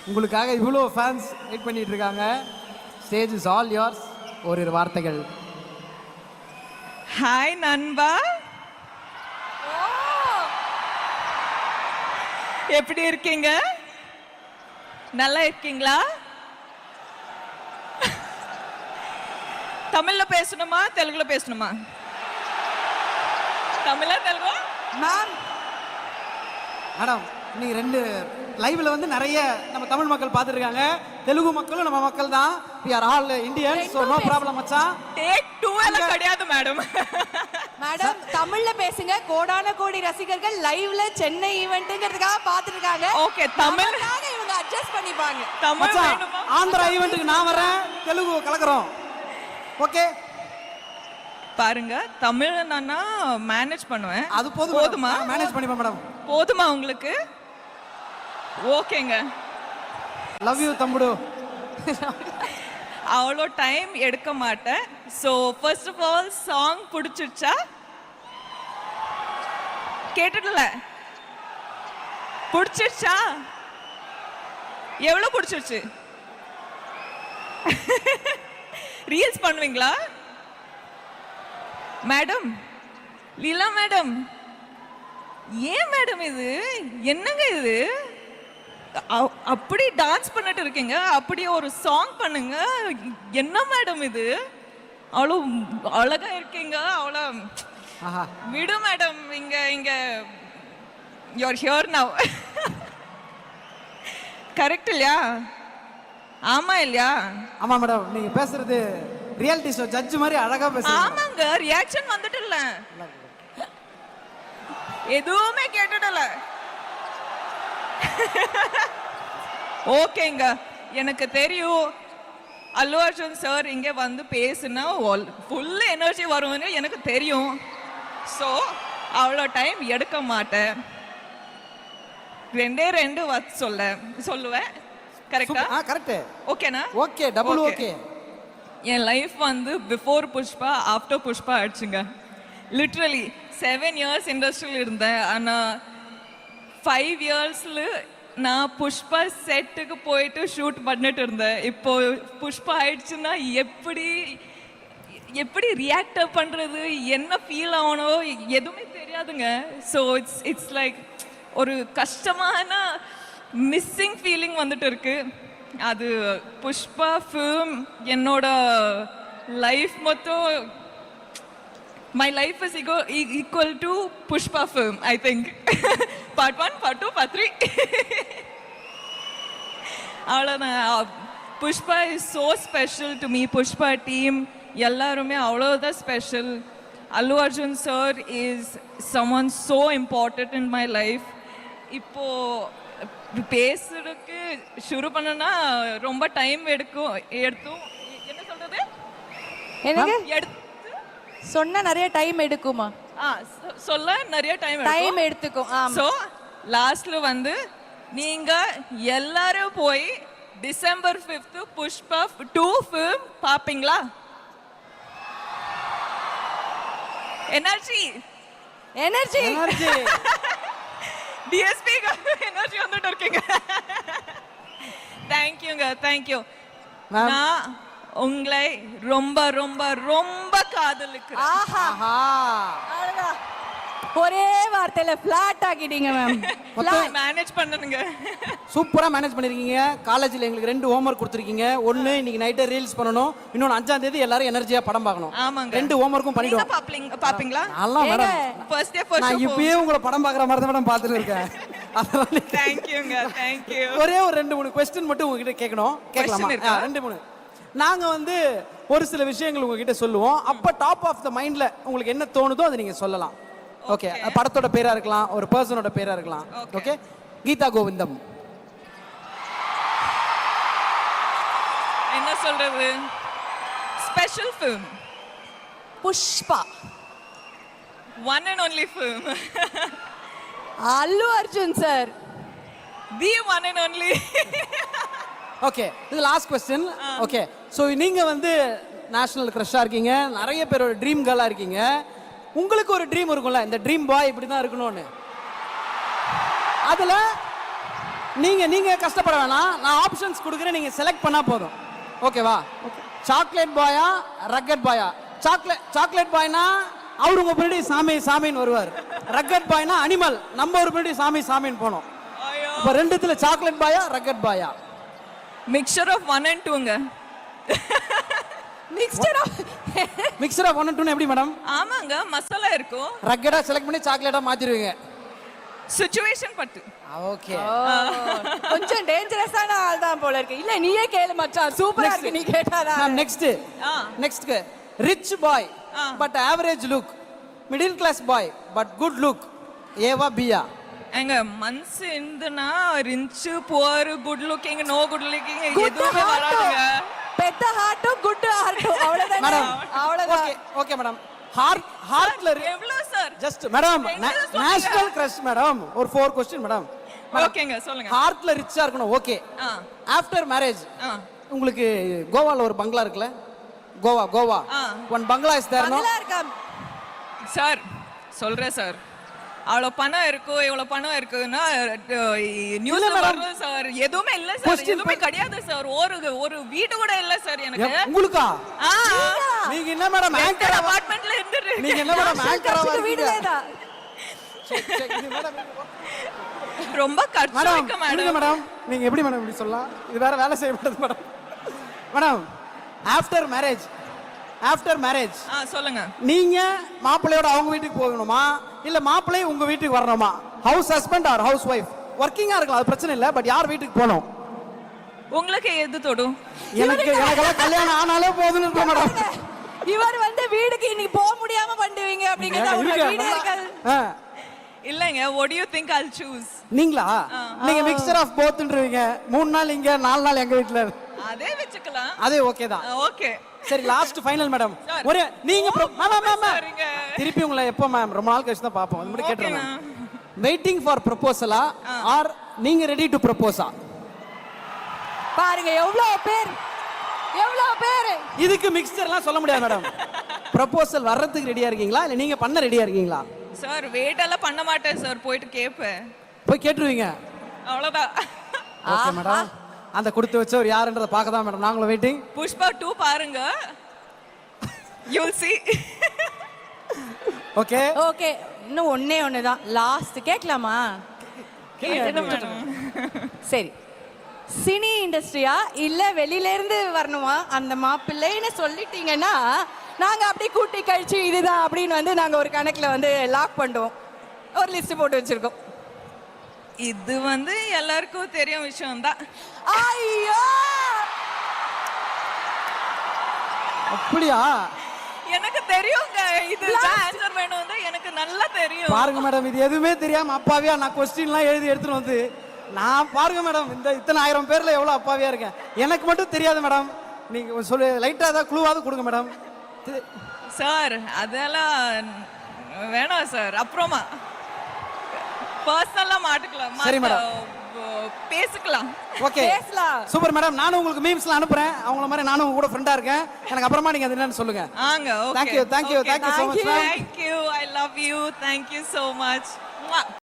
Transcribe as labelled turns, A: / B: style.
A: உங்களுக்காக இவ்வளோ fans wait பண்ணிட்டு இருக்காங்க. Stage is all yours. ஓரிரு வார்த்தைகள்.
B: ஹாய் நண்பா, எப்படி இருக்கீங்க? நல்லா இருக்கீங்களா? தமிழ்ல பேசணுமா தெலுங்குல பேசணுமா? தமிழா தெலுங்கா?
A: மேம் மேடம், இன்னைக்கு 2 லைவ்ல வந்து நிறைய நம்ம தமிழ் மக்கள் பார்த்துருக்காங்க. தெலுங்கு மக்களும் நம்ம மக்கள் தான். we are all Indians, so no problem மச்சான்.
B: டேக் 2 எல்லாம் கிடையாது மேடம்.
C: மேடம் தமிழ்ல பேசுங்க. கோடான கோடி ரசிகர்கள் லைவ்ல சென்னை ஈவென்ட்ங்கிறதுக்காக பார்த்துட்டு இருக்காங்க.
B: ஓகே, தமிழ்னால
C: இவங்க அட்ஜஸ்ட் பண்ணிப்பாங்க.
B: தமிழ்
A: மச்சான்,
B: வேணுமா?
A: ஆந்திரா ஈவென்ட்க்கு நான் வரேன், தெலுங்கு கலக்குறோம். ஓகே
B: பாருங்க, தமிழ் நானா மேனேஜ் பண்ணுவேன்.
A: அது போதுமா? மேனேஜ் பண்ணிப்பேன் மேடம்.
B: போதுமா உங்களுக்கு? ஓகேங்க,
A: லவ் யூ தம்புடு.
B: அவ்வளோ டைம் எடுக்க மாட்டேன். So first of all song பிடிச்சிருச்சா? கேட்டுடல, பிடிச்சிருச்சா? எவ்வளோ பிடிச்சிருச்சு? ரீல்ஸ் பண்ணுவீங்களா மேடம்? லீலா மேடம், ஏன் மேடம் இது என்னங்க இது? அப்படி டான்ஸ் பண்ணிட்டு இருக்கீங்க, அப்படி ஒரு சாங் பண்ணுங்க. என்ன மேடம் இது? அவ்வளோ அழகா இருக்கீங்க. அவ்வளோ விடு மேடம். இங்க யூஆர் ஹியர் நவ். கரெக்ட் இல்லையா? ஆமா இல்லையா?
A: ஆமா மேடம், நீங்க பேசுறது ரியாலிட்டி ஷோ ஜட்ஜ் மாதிரி அழகா பேசுறீங்க.
B: ஆமாங்க, ரியாக்ஷன் வந்துட்டு இல்ல, எதுவுமே கேட்டுடல. ஓகேங்க, எனக்கு தெரியும் அல்லு அர்ஜுன் சார் இங்க வந்து பேசுனா ஃபுல் எனர்ஜி வரும்னு எனக்கு தெரியும். ஸோ அவ்வளோ டைம் எடுக்க மாட்டேன். 2 வார்த்தை சொல்லுவேன். கரெக்டா?
A: கரெக்ட்.
B: ஓகேனா?
A: Okay, double okay.
B: என் லைஃப் வந்து பிஃபோர் புஷ்பா ஆஃப்டர் புஷ்பா ஆயிடுச்சுங்க. லிட்ரலி 7 இயர்ஸ் இண்டஸ்ட்ரியில் இருந்தேன். ஆனால் 5 இயர்ஸில் நான் புஷ்பா செட்டுக்கு போயிட்டு ஷூட் பண்ணிட்டு இருந்தேன். இப்போ புஷ்பா ஆயிடுச்சுன்னா எப்படி ரியாக்ட் பண்ணுறது, என்ன ஃபீல் ஆகணும் எதுவுமே தெரியாதுங்க. ஸோ இட்ஸ் லைக் ஒரு கஷ்டமான மிஸ்ஸிங் ஃபீலிங் வந்துட்டு இருக்கு. அது புஷ்பா ஃபிலிம் என்னோட லைஃப் மொத்தம், my life is equal to Pushpa film, I think. Part 1, Part 2, Part 3. Pushpa is so special to me. Pushpa team ellarume avlodha special. Allu Arjun sir is someone so important in my life. இப்போ பேசுறதுக்கு ஷுரு பண்ணனா ரொம்ப time எடுக்கும். என்ன சொல்றது?
C: எனக்கு சொன்னா நிறைய டைம் எடுக்குமா?
B: சொல்ல நிறைய டைம்
C: எடுத்துக்கும்.
B: ஸோ லாஸ்ட்ல வந்து நீங்க எல்லாரும் போய் டிசம்பர் 5th புஷ்பா 2 ஃபிலிம் பாப்பீங்களா? எனர்ஜி டிஎஸ்பி எனர்ஜி வந்துட்டு இருக்கீங்க. தேங்க்யூங்க, தேங்க்யூ. நான் உங்களை ரொம்ப ரொம்ப ரொம்ப காதலிக்கிறேன்.
C: ஒரே வார்த்தையில ஃபிளாட் ஆக்கிட்டீங்க மேம்.
B: மேனேஜ் பண்ணனுங்க.
A: சூப்பரா மேனேஜ் பண்ணிருக்கீங்க. காலேஜ்ல எங்களுக்கு 2 ஹோம்வொர்க் கொடுத்துருக்கீங்க. ஒன்னு இன்னைக்கு நைட்டே ரீல்ஸ் பண்ணணும், இன்னொன்னு 5ஆம் தேதி எல்லாரும் எனர்ஜியா படம் பார்க்கணும்.
B: ஆமாங்க,
A: 2 ஹோம்வொர்க்கும் பண்ணிடுவோம்.
B: பாப்பீங்களா?
A: நல்லா மேடம்,
B: ஃபர்ஸ்ட் டே ஃபர்ஸ்ட்
A: நான் இப்பவே உங்களை படம் பார்க்குற மாதிரி தான் மேடம் பார்த்துட்டு இருக்கேன்.
B: தேங்க்யூங்க, தேங்க்யூ.
A: ஒரே ஒரு 2-3 क्वेश्चन மட்டும் உங்ககிட்ட கேட்கணும். கேட்கலாமா? 2-3. நாங்க வந்து ஒரு சில விஷயங்கள் உங்ககிட்ட சொல்லுவோம். அப்ப டாப் ஆஃப் த மைண்ட்ல உங்களுக்கு என்ன தோணுதோ அதை நீங்க சொல்லலாம். ஓகே, படத்தோட பேரா இருக்கலாம், ஒரு பர்சனோட பேரா இருக்கலாம். ஓகே, கீதா கோவிந்தம்.
B: என்ன சொல்றது? Special film
C: Pushpa.
B: One and only film.
C: Allu Arjun sir,
B: the one and only.
A: Okay, இது லாஸ்ட் क्वेश्चन. ஓகே, சோ நீங்க வந்து நேஷனல் கிரஷா இருக்கீங்க, நிறைய பேரோட ட்ரீம் கேர்லா இருக்கீங்க. உங்களுக்கு ஒரு ட்ரீம் இருக்கும்ல, இந்த ட்ரீம் பாய் இப்படி தான் இருக்கணும்னு. அதுல நீங்க கஷ்டப்பட வேணாம், நான் ஆப்ஷன்ஸ் கொடுக்குறேன், நீங்க செலக்ட் பண்ணா போதும். ஓகேவா? சாக்லேட் பாயா ரக்கட் பாயா? சாக்லேட் பாய்னா அவர் உங்க பின்னாடி சாமின்னு வருவார். ரக்கட் பாய்னா அனிமல், நம்ம ஒரு பின்னாடி சாமின்னு போனோம். இப்ப ரெண்டுத்துல சாக்லேட் பாயா ரக்கட் பாயா?
B: மிக்சர் ஆஃப் 1 and 2ங்க.
C: மிக்ஸ்டர்
A: மிக்சர் ஆஃப் 1 and 2 எப்படி மேடம்?
B: ஆமாங்க, மசாலா இருக்கும்.
A: ரக்கடா செலக்ட் பண்ணி சாக்லேட்டா மாத்திடுவீங்க.
B: சிச்சுவேஷன் பட்டு.
A: ஓகே.
C: கொஞ்சம் டேஞ்சரஸான ஆள் தான் போல இருக்கு. இல்ல நீயே கேளு மச்சான், சூப்பரா இருக்கு நீ கேட்டாதா.
A: Next rich boy but average look, middle class boy but good look, ஏவா பியா?
B: எங்க மனசு இருந்துனா rich poor good looking no good looking எதுவுமே வராதுங்க.
C: பெத்த ஹார்ட்டும் குட் ஹார்ட்டும் அவ்வளவுதான்
A: மேடம்.
C: அவ்வளவுதான்.
A: Okay madam. ஹார்ட்ல
B: எவ்வளவு sir?
A: Just madam national crush madam. ஒரு 4 क्वेश्चन மேடம்.
B: ஓகேங்க சொல்லுங்க.
A: ஹார்ட்ல ரிச்சா இருக்கணும். ஓகே. ஆஃப்டர் மேரேஜ் உங்களுக்கு கோவால ஒரு பங்களா இருக்குல்ல? Goa one bungalow is there no?
C: Bungalow இருக்கா
B: சார்? சொல்றேன் சார். அவ்வளோ பணம் இருக்கும், இவ்வளோ பணம் இருக்குன்னா நியூஸ்ல வரும் சார். எதுவுமே இல்ல சார், எதுவுமே கிடையாது சார். ஒரு வீடு கூட இல்ல சார் எனக்கு.
A: உங்களுக்கா? நீங்க என்ன மேடம் ஆங்கர்
B: அபார்ட்மெண்ட்ல இருந்துட்டு?
A: நீங்க என்ன மேடம் ஆங்கரா
C: வீடுல தான்?
B: ரொம்ப கஷ்டம் இருக்கு மேடம்.
A: மேடம் நீங்க எப்படி மேடம் இப்படி சொல்லலாம்? இது வேற வேலை செய்ய மாட்டது மேடம். மேடம் ஆஃப்டர் மேரேஜ்
B: சொல்லுங்க.
A: நீங்க மாப்பிள்ளையோட அவங்க வீட்டுக்கு போகணுமா இல்ல மாப்பிள்ளை உங்க வீட்டுக்கு வரணுமா? House husband or house wife? ஒர்க்கிங்கா இருக்கலாம், அது பிரச்சனை இல்ல, பட் யார் வீட்டுக்கு போகணும்?
B: உங்களுக்கு எது தொடும்?
A: எனக்கெல்லாம் கல்யாணம் ஆனாலே போதும்னு இருக்க மேடம்.
C: இவர் வந்து வீட்டுக்கு இன்னைக்கு போக முடியாம பண்ணுவீங்க அப்படிங்கறது உங்க வீடு இருக்காது.
B: இல்லங்க, what do you think I'll choose?
A: நீங்களா? நீங்க மிக்சர் ஆஃப் போத்ன்றீங்க. 3 நாள் இங்க 4 நாள் எங்க வீட்ல.
B: அதே வெச்சுக்கலாம்.
A: அதே ஓகே தான்.
B: ஓகே.
A: சரி லாஸ்ட் ஃபைனல் மேடம். ஒரு நீங்க மேம் திருப்பி உங்களை எப்போ மேம்? ரொம்ப நாள் கழிச்சு தான் பாப்போம். அது மட்டும் கேட்றேன். வெயிட்டிங் ஃபார் ப்ரொபோசலா ஆர் நீங்க ரெடி டு ப்ரொபோஸா?
C: பாருங்க எவ்வளவு பேர்.
A: இதுக்கு மிக்சர்லாம் சொல்ல முடியாது மேடம். ப்ரொபோசல் வர்றதுக்கு ரெடியா இருக்கீங்களா இல்ல நீங்க பண்ண ரெடியா இருக்கீங்களா?
B: சார் வெயிட் எல்லாம் பண்ண மாட்டேன் சார், போயிட்டு கேப்பேன்.
A: போய் கேட்டுருவீங்க?
B: அவ்வளவுதான்.
A: Okay madam. அந்த கொடுத்து வச்சவர் யாருன்றத பார்க்க தான் மேடம் நாங்களும் வெயிட்டிங்.
B: புஷ்பா 2 பாருங்க, you'll see.
C: ஓகே இன்னும் ஒண்ணே தான் லாஸ்ட் கேட்கலாமா? சரி, சினி இண்டஸ்ட்ரியா இல்ல வெளியில இருந்து வரணுமா அந்த மாப்பிள்ளைன்னு சொல்லிட்டீங்கன்னா நாங்க அப்படியே கூட்டி கழிச்சு இதுதான் அப்படின்னு வந்து நாங்க ஒரு கணக்குல வந்து லாக் பண்ணுவோம். ஒரு லிஸ்ட் போட்டு வச்சிருக்கோம்.
B: இது வந்து எல்லாருக்கும் தெரியும் விஷயம் தான்.
C: ஐயோ
A: அப்படியா?
B: எனக்கு தெரியுங்க, இது ஆன்சர் வேணும்னு எனக்கு நல்லா தெரியும்.
A: பாருங்க மேடம், இது எதுவுமே தெரியாம அப்பாவியா நான் क्वेश्चनலாம் எழுதி எடுத்துட்டு வந்து நான் பாருங்க மேடம் இந்த இத்தனை 1000 பேர்ல எவ்வளவு அப்பாவியா இருக்கேன். எனக்கு மட்டும் தெரியாது மேடம். நீங்க சொல்லு லைட்டா ஏதாவது க்ளூவாவது கொடுங்க மேடம்.
B: சார் அதெல்லாம் வேணாம் சார், அப்புறமா பர்சனலா மாட்டிக்கலாம்.
A: சரி மேடம்,
B: பேசிக்கலாம்.
A: Okay super madam. நானும் உங்களுக்கு மீம்ஸ்லாம் அனுப்புறேன். அவங்கள மாதிரி நானும் உங்க கூட ஃப்ரெண்டா இருக்கேன். எனக்கு அப்புறமா நீங்க அது என்னன்னு சொல்லுங்க.
B: Okay.
A: Thank you so much.
B: Thank you. I love you. Thank you so much.